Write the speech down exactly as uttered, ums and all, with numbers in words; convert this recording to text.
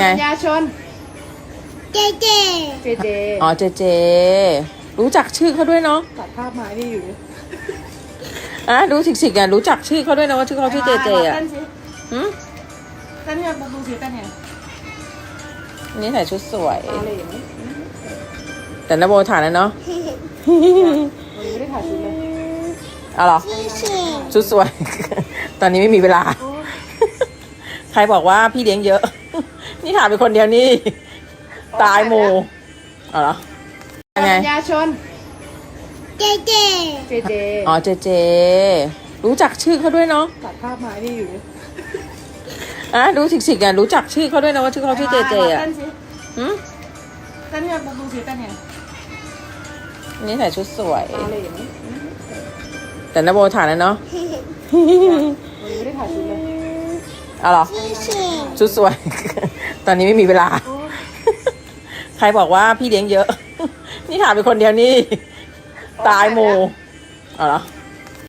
ประชาชนเจเจเจเจอ๋อเจเจรู้จักชื่อเขาด้วยเนาะตัดภาพมาที่อยู่อ่ะดูสิกๆอ่ะรู้จักชื่อเขาด้วยนะว่าชื่อเขาชื่อเจเจอ่ะเต้นสิหืมเต้นเนี่ยดูสิเต้นเนี่ยนี่ใส่ชุดสวยอะไรอย่างนี้แต่นโบถ่ายแล้วเนาะไม่ได้ถ่ายชุดเลยเอาหรอชุดสวย ตอนนี้ไม่มีเวลา ใครบอกว่าพี่เลี้ยงเยอะ นี่ถ่ายเป็นคนเดียวนี่ตายหมูเอาเหรอประชาชนเจเจเจเจอ๋อเจเจรู้จักชื่อเขาด้วยเนาะตัดภาพมาที่อยู่อ่ะดูสิกๆอ่ะรู้จักชื่อเขาด้วยนะว่าชื่อเขาชื่อเจเจอ่ะเต้นสิหืมเต้นเนี่ยดูสิเต้นเนี่ยนี่ใส่ชุดสวยอะไรอย่างนี้แต่นโบถ่ายแล้วเนาะไม่ได้ถ่ายชุดเลยเอาเหรอชุดสวย ตอนนี้ไม่มีเวลา ใครบอกว่าพี่เลี้ยงเยอะ นี่ถ่ายเป็นคนเดียวนี่ตายหมูเอาเหรอ